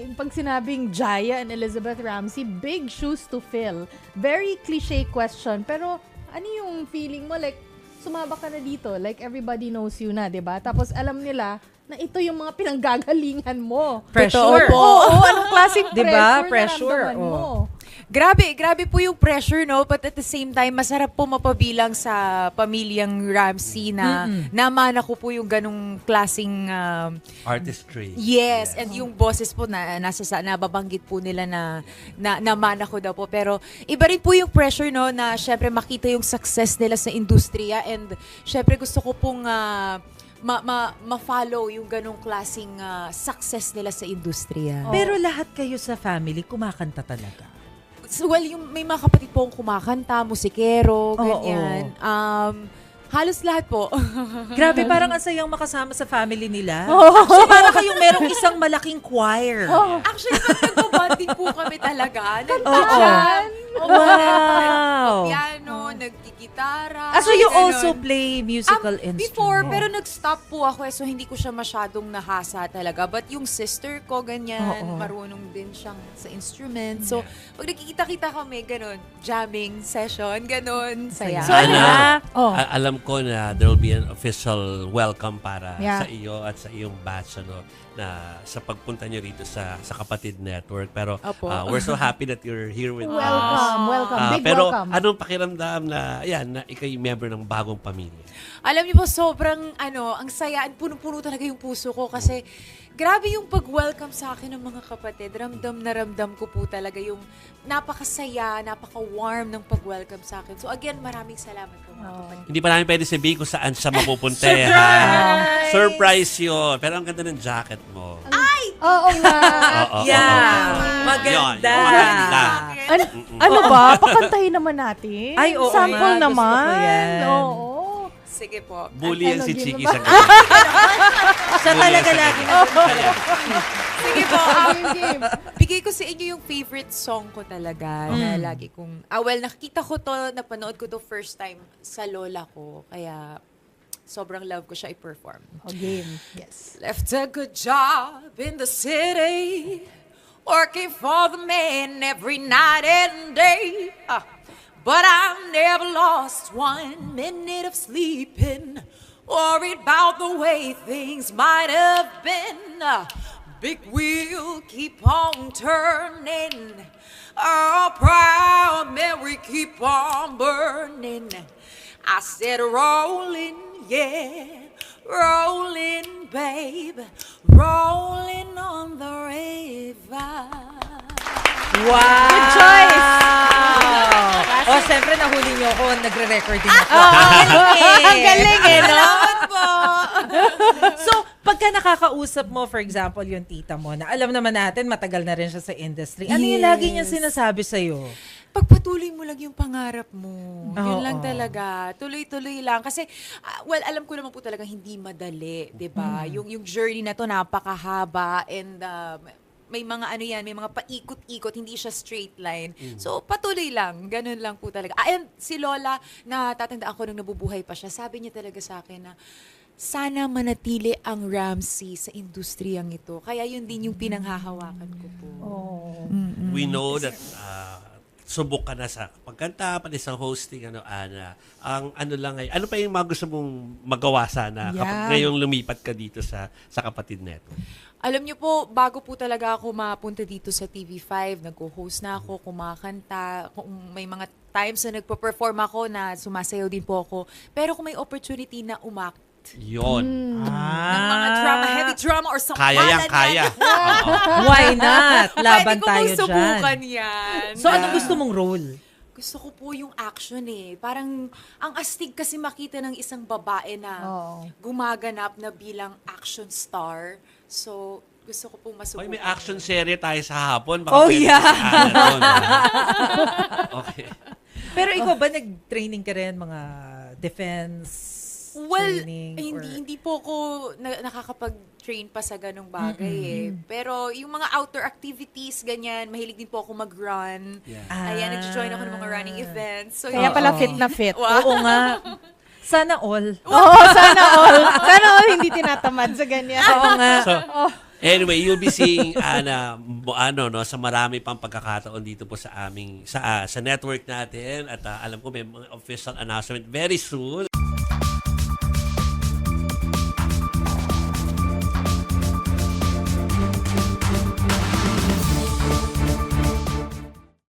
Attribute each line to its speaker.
Speaker 1: pag sinabing Jaya and Elizabeth Ramsey, big shoes to fill. Very cliche question, pero ano yung feeling mo? Like, sumaba ka na dito, like everybody knows you na, 'di ba? Tapos alam nila na ito yung mga pinanggagalingan mo.
Speaker 2: Pressure.
Speaker 1: Oo, anong klaseng
Speaker 2: Diba?
Speaker 1: pressure naramdaman mo?
Speaker 3: Grabe po yung pressure, no? But at the same time, masarap po mapabilang sa pamilyang Ramsey na namana ko po yung ganong klaseng
Speaker 4: artistry.
Speaker 3: Yes, and yung bosses po na nababanggit po nila na namana ko daw po. Pero iba rin po yung pressure, no, na syempre makita yung success nila sa industriya, and syempre gusto ko pong ma-follow yung ganong klaseng success nila sa industriya.
Speaker 2: Pero lahat kayo sa family kumakanta talaga.
Speaker 3: Well, yung may mga kapatid po akong kumakanta, musikero, ganyan. Halos lahat po.
Speaker 2: Grabe, parang ang sayang makasama sa family nila. Actually, parang kayong merong isang malaking choir.
Speaker 3: Actually, nagpabanding po kami talaga.
Speaker 2: Wow!
Speaker 3: Piano, nagkikitara.
Speaker 2: So you also play musical instruments?
Speaker 3: Before, pero nag-stop po ako so hindi ko siya masyadong nahasa talaga. But yung sister ko, ganyan, marunong din siyang sa instrument. So, pag nagkikita-kita kami, ganun, jamming session, ganun, saya.
Speaker 1: So,
Speaker 4: Alam ko na there will be an official welcome para sa iyo at sa iyong batch, na sa pagpunta niyo rito sa Kapatid Network. Pero we're so happy that you're here with us.
Speaker 1: Welcome. Big
Speaker 4: pero
Speaker 1: welcome.
Speaker 4: anong pakiramdam na ikay member ng bagong pamilya?
Speaker 3: Alam niyo po, sobrang ang saya, punong-puno talaga yung puso ko kasi grabe yung pag-welcome sa akin ng mga kapatid. Ramdam na ramdam ko po talaga yung napakasaya, napaka-warm ng pag-welcome sa akin. So again, maraming salamat po mga kapatid.
Speaker 4: Hindi pa namin pwede sabihin kung saan siya mapupunta. Surprise yun. Pero ang ganda ng jacket mo.
Speaker 1: Oo nga.
Speaker 2: Maganda.
Speaker 1: Ano ba? Pakantahin naman natin.
Speaker 2: Ay, oo
Speaker 1: Sample
Speaker 2: nga.
Speaker 1: naman.
Speaker 2: Gusto ko yan.
Speaker 1: Oo.
Speaker 3: Sige po.
Speaker 4: Bully yan si Chiki sa
Speaker 2: Siya talaga lagi na.
Speaker 3: Sige po.
Speaker 1: Game.
Speaker 3: Bigay ko sa inyo yung favorite song ko talaga na lagi kong... nakikita ko to, napanood ko to first time sa lola ko. Kaya sobrang love ko siya i-perform.
Speaker 1: Game. Yes.
Speaker 3: Left a good job in the city, working for the man every night and day. But I never lost 1 minute of sleeping, worried about the way things might have been. Big wheel keep on turning, proud memory keep on burning. I said rolling, yeah, rolling, babe, rolling on the river.
Speaker 2: Wow!
Speaker 1: Good choice!
Speaker 2: Siyempre nahuli niyo ako, nagre-recording ako.
Speaker 1: Ang galing no?
Speaker 3: Salamat po!
Speaker 2: So, pagka nakakausap mo, for example, yung tita mo, na alam naman natin, matagal na rin siya sa industry. Ano yung lagi niya sinasabi sa'yo?
Speaker 3: Pagpatuloy mo lang yung pangarap mo. Yun lang
Speaker 2: Oo.
Speaker 3: talaga. Tuloy-tuloy lang. Kasi, alam ko naman po talaga hindi madali, di ba? Yung journey na to napakahaba and may mga may mga paikot-ikot, hindi siya straight line. So, patuloy lang. Ganun lang po talaga. And si Lola, natatandaan ko nung nabubuhay pa siya, sabi niya talaga sa akin na, sana manatili ang Ramsey sa industriyang ito. Kaya yun din yung pinanghahawakan ko po.
Speaker 4: We know that subok ka na sa pagkanta, pati sa hosting, Ana. Ang ano pa yung mga gusto mong magawa sana kapag ngayong lumipat ka dito sa Kapatid Network?
Speaker 3: Alam niyo po, bago po talaga ako mapunta dito sa TV5, nag-host na ako, kumakanta, kung may mga times na nagpo-perform ako na sumasayaw din po ako. Pero kung may opportunity na umact,
Speaker 4: Yun.
Speaker 3: ng mga drama, heavy drama or something.
Speaker 4: Kaya yan, kaya.
Speaker 2: Why not? Laban
Speaker 3: Pwede ko
Speaker 2: tayo
Speaker 3: pong subukan
Speaker 2: dyan.
Speaker 3: yan.
Speaker 2: So, anong gusto mong role?
Speaker 3: Gusto ko po yung action Parang, ang astig kasi makita ng isang babae na gumaganap na bilang action star. So, gusto ko pong masubukan.
Speaker 4: May action serie tayo sa hapon.
Speaker 2: Oh,
Speaker 4: pwede
Speaker 2: yeah.
Speaker 4: si Ana doon, Okay.
Speaker 2: Pero ikaw ba, nag-training ka rin, mga defense training?
Speaker 3: Hindi po ako nakakapag-train pa sa ganong bagay Pero yung mga outdoor activities, ganyan, mahilig din po ako mag-run.
Speaker 4: Yeah.
Speaker 3: Ayan, nag-join ako ng mga running events. So,
Speaker 1: Kaya pala fit na fit.
Speaker 2: Oo nga. Sana all.
Speaker 1: Oo, sana all. Sana all hindi tinatamad sa ganyan.
Speaker 2: Oo nga.
Speaker 4: So, Anyway, you'll be seeing Ana sa marami pang pagkakataon dito po sa aming sa network natin at alam ko may mga official announcement very soon.